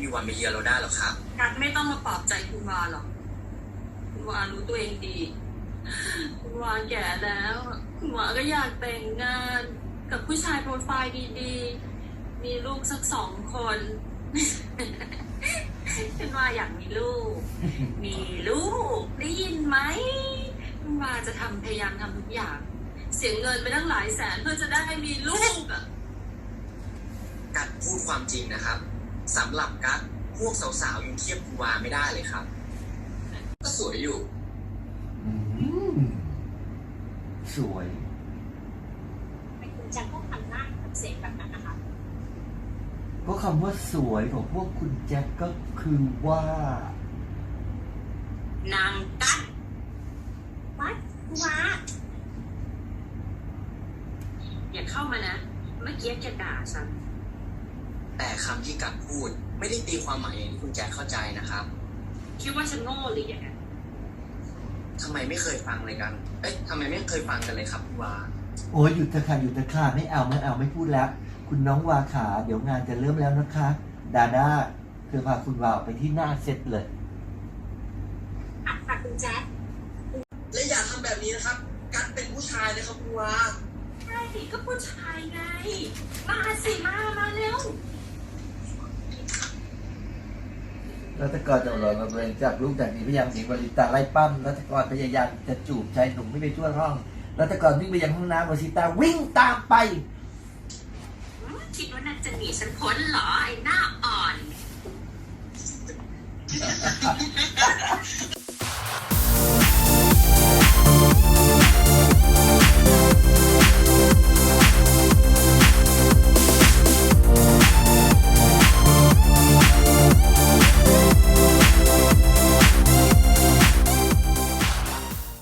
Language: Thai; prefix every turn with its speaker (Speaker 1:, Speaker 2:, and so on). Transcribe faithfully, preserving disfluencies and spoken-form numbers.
Speaker 1: มีวันมาเยือนเราได้หรอกครับ
Speaker 2: กัดไม่ต้องมาปลอบใจคุณวาหรอกคุณวารู้ตัวเองดีคุณวาแก่แล้วคุณวาก็อยากแต่งงานกับผู้ชายโปรไฟล์ดีๆมีลูกสักสองคนคุณวาอยากมีลูกมีลูกได้ยินไหมคุณวาจะทำพยายามทำทุกอย่างเสียเงินไปตั้งหลายแสนเพื่อจะได้มีลูกอ่ะ
Speaker 1: กัดพูดความจริงนะครับสำหรับกัดพวกสาวๆยังเทียบคุณวาไม่ได้เลยครับก็สวยอยู่
Speaker 3: อืมสวย
Speaker 4: ไม่คุณแจ็คก็ทำหน้าทำเสียงแบบนั้นนะคะ
Speaker 3: ก็คำว่าสวยของพวกคุณแจ็คก็คือว่า
Speaker 2: นางกัด
Speaker 4: วัดคุณวา
Speaker 2: อย่าเข้ามานะเมื่อกี้แกด่าฉัน
Speaker 1: แต่คำที่กัดพูดไม่ได้ตีความหมายอย่างที่คุณแจ็คเข้าใจนะครับ
Speaker 2: คิดว่าฉันโง่หรือยังไง
Speaker 1: ทำไมไม่เคยฟังเลยกันเอ๊ะทำไมไม่เคยฟังกันเลยครับคุณวา
Speaker 3: โอ้ยหยุดเถอะค่ะหยุดเถอะค่ะไม่เอาไม่เอาไม่พูดแล้วคุณน้องวาขาเดี๋ยวงานจะเริ่มแล้วนะคะดาด้าเธอพาคุณวาไปที่หน้าเซตเลย
Speaker 4: อ่ะค่ะคุณแจ็ค
Speaker 1: และอย่าทำแบบนี้นะครับกัดเป็นผู้ชายนะครับคุณวา
Speaker 2: ใช่ก็ผู้ชายไงมาสิมามาเร็ว
Speaker 3: รัตกรจะหลอนมาเบรงจับลูกจากนี้พยายามหนีวลิตาไล่ปั้มรัตกรพยายามจะจูบชายหนุ่มไม่ไปทั่วห้องรัตกรวิ่งไปยังห้องน้ำวลิตาวิ่งตามไป
Speaker 2: คิดว่าน่าจะหนีฉันพ้นเหรอไอ้หน้าอ่อน